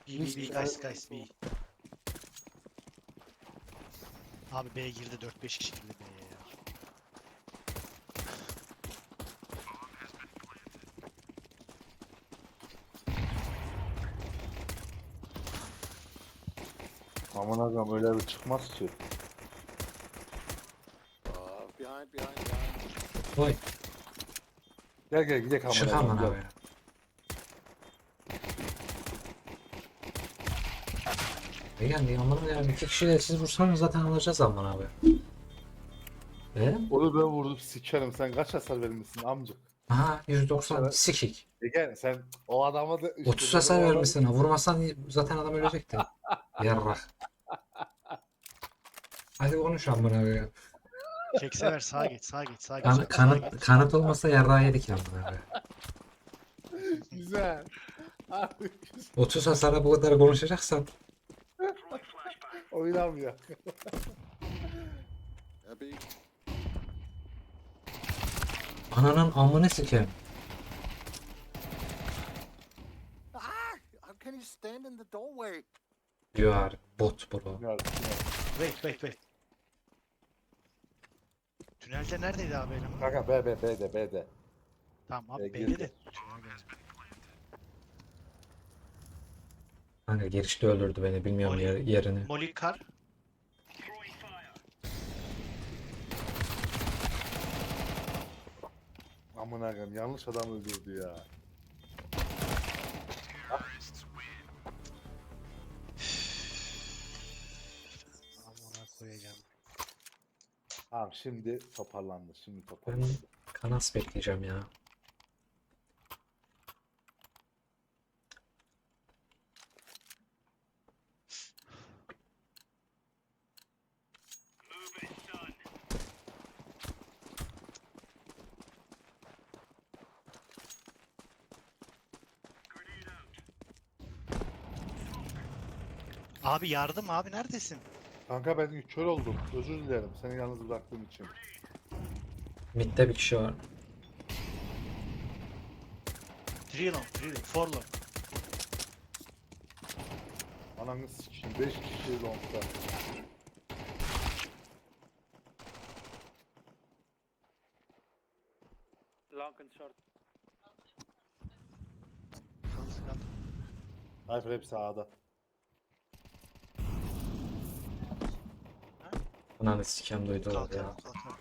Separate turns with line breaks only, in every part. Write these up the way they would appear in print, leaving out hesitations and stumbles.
B, guys, B. Abi B girdi, 4-5 kişi girdi B'ye ya.
Aman ağam öyle bir çıkmaz ki.
Behind.
Oy.
Gel gidelim aman
Çık
ağam.
aman
Gel.
abi. Yani aman ya 2 kişiyle siz vursanız zaten alacağız aman abi.
Onu ben vurdum sikerim. Sen kaç hasar vermişsin amcık?
Aha 190
Evet.
sikik.
Gel sen o adama da işte
30
ben
hasar
o adam-
vermişsin ha. Vurmasan zaten adam ölecekti. Yarrak. Hadi konuş aman abi ya.
Keksever sağa geç, sağa geç, sağa geç.
Kan,
Sağa
kanıt,
geç.
kanıt olmasa yarrağı yedik aman abi.
Güzel. Abi
30 hasara bu kadar konuşacaksan
oynamıyor.
Yeah, B.
ananın amını sikeyim.
How can you stand in the doorway?
You are bot bro.
Wait. Tünelde neredeydi abi eleman?
Kanka B'de.
Tamam abi
girdi.
belli de. Tünel geldi.
Kanka girişte öldürdü beni bilmiyorum yerini.
Molly Kar.
Aman ağam yanlış adam öldürdü ya.
Amına koyacağım.
Tamam şimdi toparlandı.
Ben kanas bekleyeceğim ya.
Abi yardım abi neredesin?
Kanka ben kör oldum. Özür dilerim seni yalnız bıraktığım için.
Mid'de bir kişi var.
3 long, 4 long.
Ananı sikeyim 5 kişi longda.
Long and short.
Cypher hep sağda.
Ananı sikem duydular ya.
Kalkan.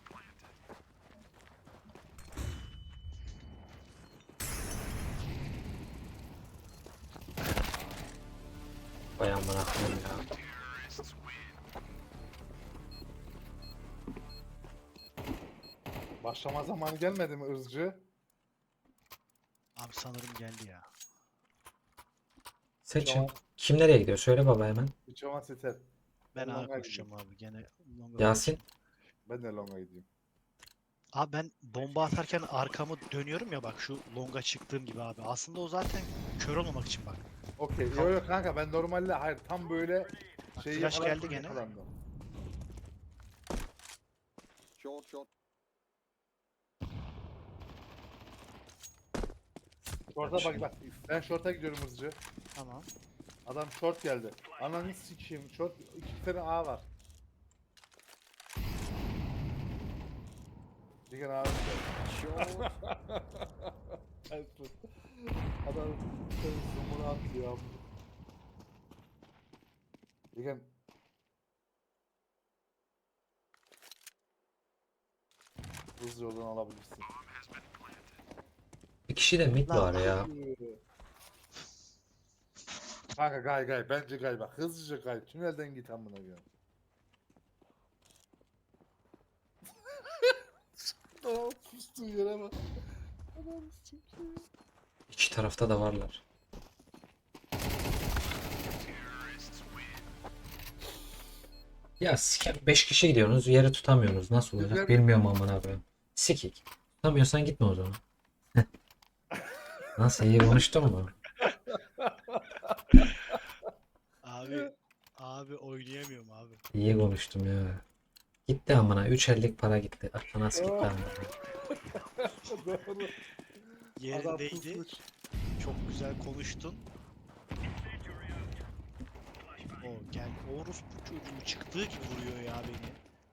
Vay amına koyayım ya.
Başlama zamanı gelmedi mi ızcı?
Abi sanırım geldi ya.
Seçin.
Tamam.
Kim nereye gidiyor? Söyle baba hemen.
Uçama seter.
Ben
Ben
ağa
longa
koşacağım abi gene. longa
Yasin.
Ben de longa gideyim.
Abi ben bomba atarken arkamı dönüyorum ya bak şu longa çıktığım gibi abi. Aslında o zaten kör olmamak için bak.
Okey. Yok kanka ben normalde hayır tam böyle şey
Flash geldi gene.
Short.
Short'a bak. Ben short'a gidiyorum hızlıca.
Tamam.
Adam short geldi. Ananı sikeyim. Short 2 tane A var. Bir tane A var.
Short.
Adam zoom'unu attı ya. Digen hızlı yoldan alabilirsin.
Bir kişi de mid var ya.
Kanka gay bence gay bak hızlıca gay tünelden git amına koyayım. Tamam sustuğu yere bak. Adam sikeyim.
İki tarafta da varlar. Ya sikem 5 kişi gidiyorsunuz yeri tutamıyorsunuz. Nasıl olacak
Güzel.
bilmiyorum aman abi. Sikik. Tutamıyorsan gitme o zaman. Nasıl iyi konuştun mu?
Abi oynayamıyorum abi.
İyi konuştum ya. Gitti amına 3 ellik para gitti. Akla nasıl gitti amına.
Doğru.
Yerindeydi.
pusmuş.
Çok güzel konuştun. gel. Orospu çocuğu çıktığı gibi vuruyor ya beni.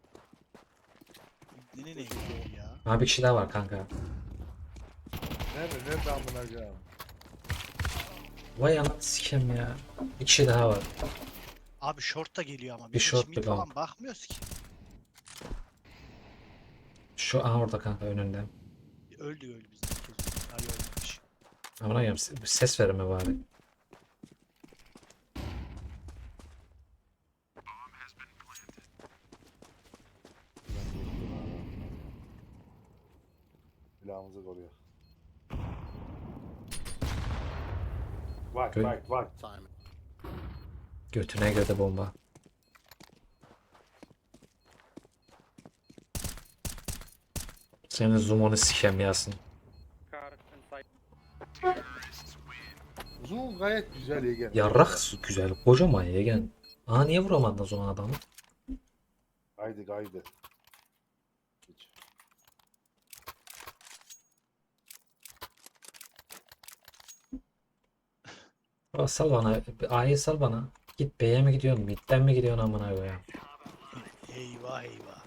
Ne ya?
Abi bir kişi daha var kanka.
Nerede amına koyayım?
Vay anasını sikeyim ya. Bir kişi daha var.
Abi short da geliyor ama.
Bir
Biz hiç
short,
mid
bir
falan
long.
bakmıyoruz ki.
Şu an orada kanka önünde.
Öldü bizden. Hayır ölmemiş.
Amına koyayım ses verme bari.
Silahımızı koruyor. Bak
Gö-
bak bak.
Simon.
Götüne göre bomba. Senin zoom'unu sikeyim Yasin.
Uzun gayet güzel Egen.
Yarrak güzel. Kocaman yegen. Aa niye vuramadın o zaman adamı?
Kaydı. Hiç.
Aa, sal bana. A'yı sal bana. Git B'ye mi gidiyorsun? Mid'den mi gidiyorsun amına koyayım?
Eyvah eyvah.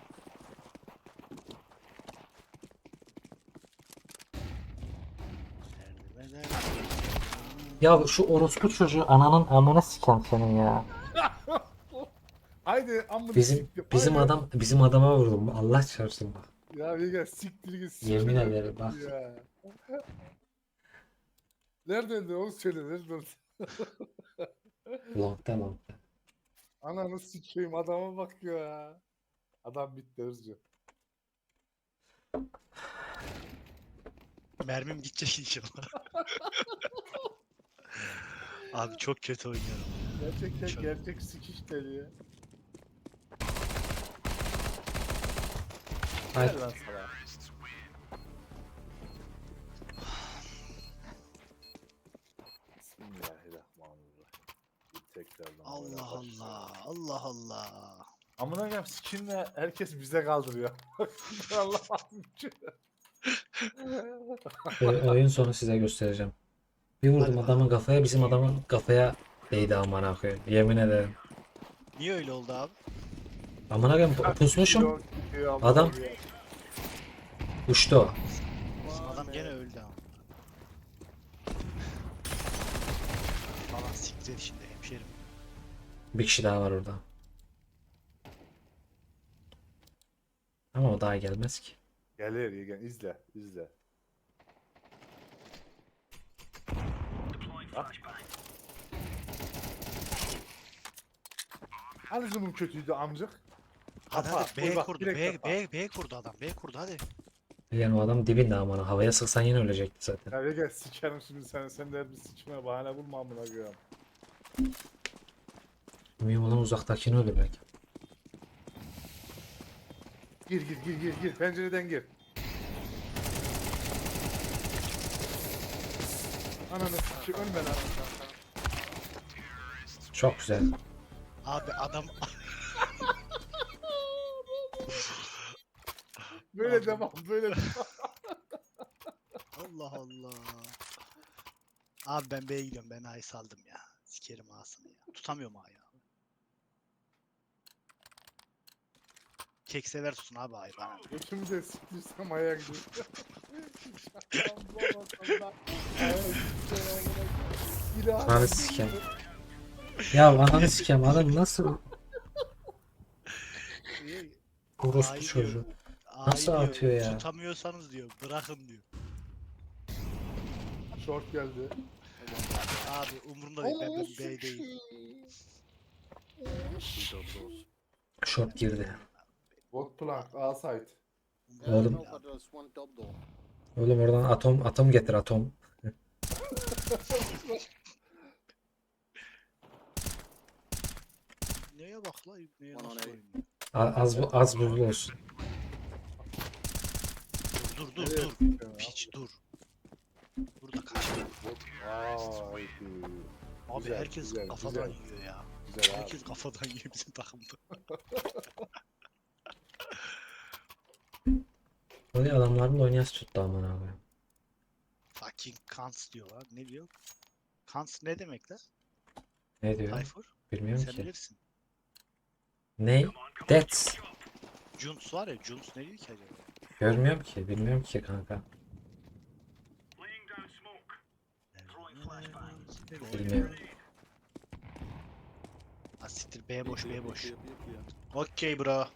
Ya şu orospu çocuğu ananın amına siken senin ya.
Haydi amına
Bizim
siktir,
bizim
haydi.
bizim adama vurdum. Allah çarpsın bak.
Ya Egen siktir git.
Yemin
siktir
ederim
git
bak.
Ya. Nereden de onu söyle nereden?
Long'da long'da.
Ananı sikeyim adama bak ya. Adam bitti hızlı.
Mermim gidecek inşallah. Abi çok kötü oynuyorum.
Gerçekten
Çok-
gerçek sikiş deli.
Hayır.
Gel lan sana. Bismillahirrahmanirrahim. Bir tekrardan
Allah
böyle başlayalım.
Allah. Allah Allah.
Amına koyayım skinle herkes bize kaldırıyor. Allah
Oyun sonu size göstereceğim. Bir vurdum
Hadi
adamın kafaya, bizim adamın kafaya değdi amına koyayım. Yemin ederim.
Niye öyle oldu abi?
Amına koyayım pusmuşum. Adam- Uçtu o.
Bizim adam gene öldü ama. Falan siktir et şimdi hemşerim.
Bir kişi daha var orada. Ama o daha gelmez ki.
Gelir Yegen izle izle. Bak. Hani zoom'un kötüydü amcık?
Hadi
Kapa,
hadi B
vur bak,
kurdu.
direkt
B,
kapa.
B kurdu adam. B kurdu hadi.
Yani o adam dibinde amına. Havaya sıksan yine ölecekti zaten.
Ya Yegen sikerim şimdi sen de bir sikime bahane bulma amına koyayım.
Mühim olan uzaktakini öldürmek.
Gir pencereden gir. Ananı sikeyim ölme lan.
Çok güzel.
Abi adam
Böyle devam böyle devam.
Allah Allah. Abi ben B'ye gidiyorum. Ben A'yı saldım ya. Sikerim A'sını ya. Tutamıyorum A'yı. Kek sever tutun abi A'yı bana.
Götümü de siktirsem aya gidiyor. Şakam bulamasam da aya gidiyor.
Ananı sikeyim. Ya ananı sikeyim adam nasıl
Niye?
orospu
Ay
çocuğu.
diyor. A'yı
Nasıl
diyor,
atıyor ya?
Tutamıyorsanız diyor. Bırakın diyor.
Short geldi.
Abi umurumda değil. Ben B'deyim.
Short girdi.
Bot plank, A site.
Oğlum.
No, but there's one double door.
Oğlum oradan atom getir atom.
Neye bak la? Neye
One on
nasıl
A.
oynuyor?
Az buzlu olsun.
Dur
Nereye
dur.
sıkıyorsun ya?
Piç dur. Burada kaç.
Bot. Haydi.
Abi
Güzel,
herkes
güzel,
kafadan
güzel.
yiyor ya.
Güzel abi.
Herkes kafadan yiyor bizim takımda.
Böyle adamların oynayası tuttu aman abi.
Fucking Kants diyorlar. Ne diyor? Kants ne demek la?
Ne diyor?
Tayfur?
Bilmiyorum
Sen
ki.
bilirsin.
Ne? That's.
Junts var ya, Junts ne diyor ki acaba?
Görmüyorum ki. Bilmiyorum ki kanka. Bilmiyorum.
Ha siktir, B boş, B boş.
Clear, clear, clear.
Okey bro.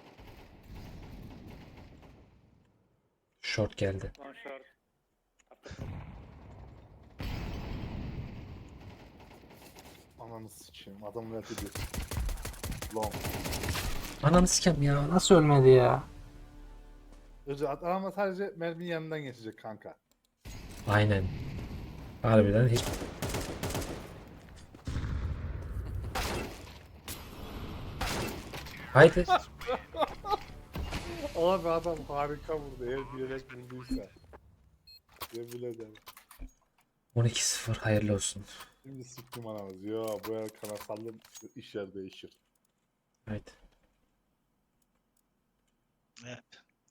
Short geldi.
One short.
Ananı sikeyim. Adam verdi bir. Long.
Ananı sikem ya. Nasıl ölmedi ya?
Özü adama sadece merminin yanından geçecek kanka.
Aynen. Harbiden hiç. Haydi.
Abi adam harika vurdu. Eğer bilerek vurduysa. Yemin ederim.
12-0 hayırlı olsun.
Şimdi sıktım anamız. Yo bu el kanasallı iş yer değişir.
Haydi.
Evet.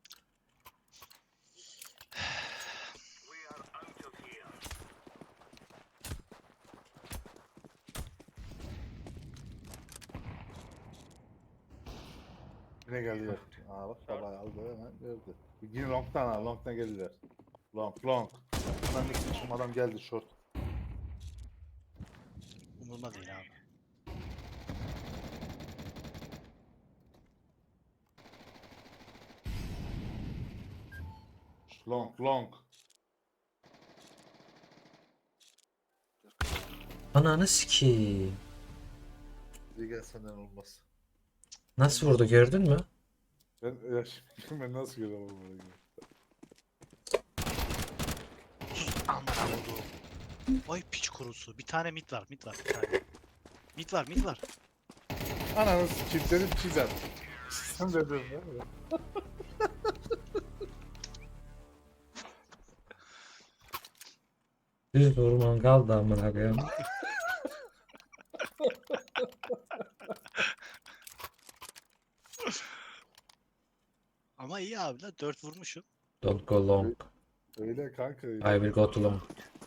Yine geldiler. Aa bak babayı aldı hemen verdi. Yine long'dan al. Long'dan geldiler. Long long. Hemen de sıçım adam geldi short.
Umurumda değil abi.
Long long.
Ananı sikeyim.
Bir gel senden olmaz.
Nasıl vurdu gördün mü?
Ben ya şimdi ben nasıl görüyorum bunu?
Sus amına koyduğum. Vay piç kurusu. Bir tane mid var, mid var bir tane. Mid var, mid var.
Ananı sikeyim dedim çizer. Sen dedim değil mi?
Düz vurman kaldı amına koyayım.
Ama iyi abi la, 4 vurmuşum.
Don't go long.
Öyle kanka öyle.
I will go to long.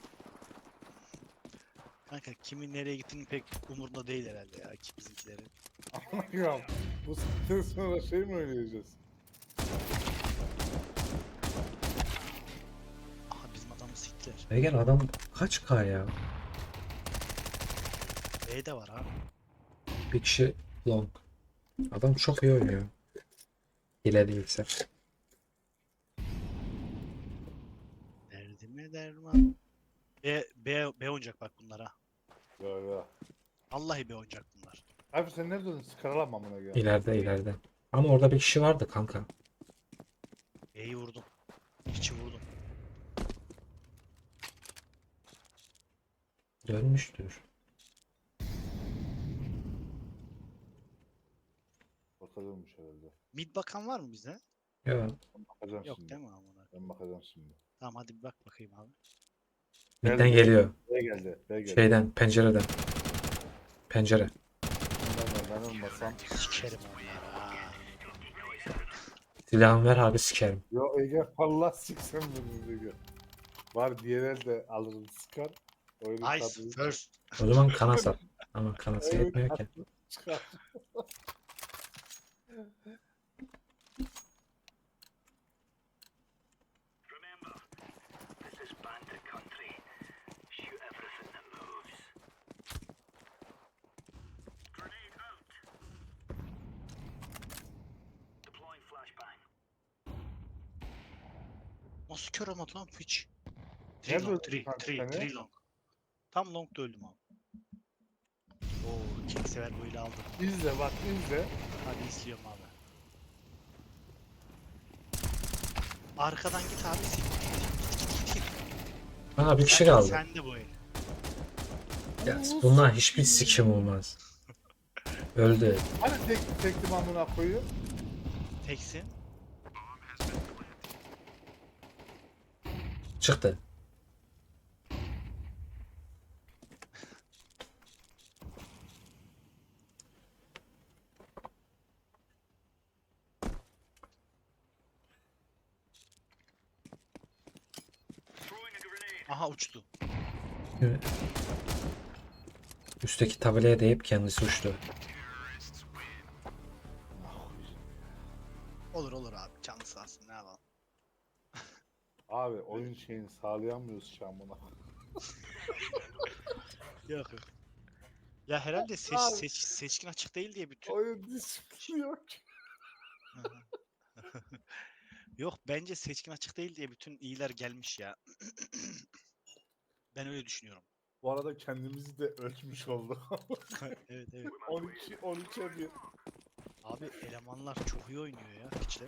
Kanka kimin nereye gittiğini pek umurunda değil herhalde ya ki bizimkilerin.
Anlıyorum. Bu saatten sonra şey mi oynayacağız?
Aha bizim adamı siktiler.
Ve gel adam kaç K ya?
B de var abi.
Bir kişi long. Adam çok iyi oynuyor. Hile değilse.
Derdime derman. B oynayacak bak bunlara.
Ya ya.
Vallahi B oynayacak bunlar.
Abi sen nerede döndün? Sıkaralanma buna ya.
İleride. Ama orada bir kişi vardı kanka.
B'yi vurdum. İçi vurdum.
Dönmüştür.
Bakılırmış herhalde.
Mid bakan var mı bize?
Ya
Bakacağım
Yok
şimdi.
değil mi amına?
Ben bakacağım şimdi.
Tamam hadi bir bak bakayım abi.
midden geliyor.
B geldi. B geldi.
Şeyden, pencereden. Pencere.
Ben olmasam.
Sikerim onları ha.
Silahımı ver abi sikerim.
Yo Ege Allah siksen bunu Ege. Var diğer elde alırım sıkar. Oyunu
Nice
tadını
first.
O zaman kana sal. Ama kanası
oyunu
yetmiyor ki.
tadını çıkar.
Nasıl kör olmadı lan piç? 3
Nerede
long,
öldün
3,
kanka
3,
sen
3 long. Tam long'da öldüm abi. Oo, king sever böyle aldım.
İzle bak izle.
Hadi izliyorum abi. Arkadan git abi. Git.
Aa bir kişi
Sen-
kaldı.
Sen de bu el.
Ya, bunlar hiçbir sikim olmaz. Öldü.
Hani tekli amına koyuyor.
Teksin.
Çıktı.
Aha uçtu.
Üstteki tabelaya değip kendisi uçtu.
Olur olur abi. Canlı sağ olsun. Ne yapalım.
Abi oyun şeyini sağlayamıyoruz şu an buna.
Yok yok. Ya herhalde
Abi.
seçkin açık değil diye bütün...
Oyun disiplini yok.
Hı hı. Yok bence seçkin açık değil diye bütün iyiler gelmiş ya. Ben öyle düşünüyorum.
Bu arada kendimizi de ölçmüş olduk.
Evet evet.
13'e 1.
Abi elemanlar çok iyi oynuyor ya piçler.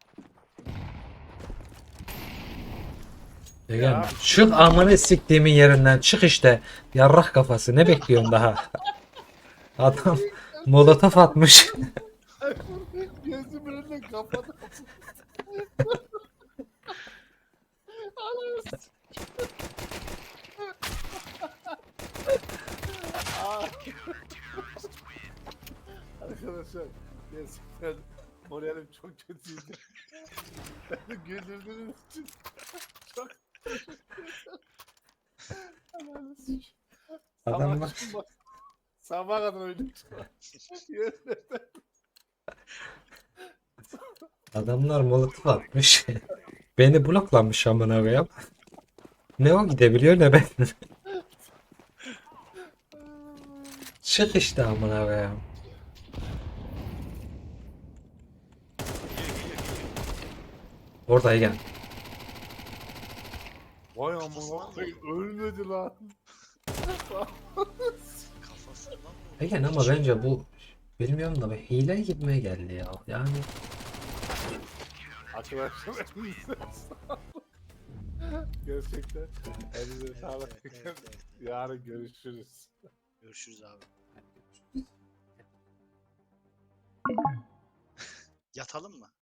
Egen, çık amını siktiğimin yerinden çık işte. Yarrak kafası ne bekliyorsun daha? Adam molotof atmış.
Gözümün önüne kapadı. Arkadaşlar gerçekten moralim çok kötüydü. Beni güldürdüğünüz için çok teşekkür ederim. Allah'ını sikeyim.
Adamlar-
Sabah kadar oynadık.
Adamlar molotof atmış. Beni bloklamış amına koyayım. Ne o gidebiliyor ne ben. Çık işte amına koyayım. Orada Egen.
Vay amına koyayım ölmedi lan.
Kafasından mı?
Egen ama bence bu bilmiyorum da bir hile gitmeye geldi ya. Yani
Arkadaşlar elinize sağlık. Gerçekten elinize sağlık.
Evet.
Yarın görüşürüz.
Görüşürüz abi. Yatalım mı?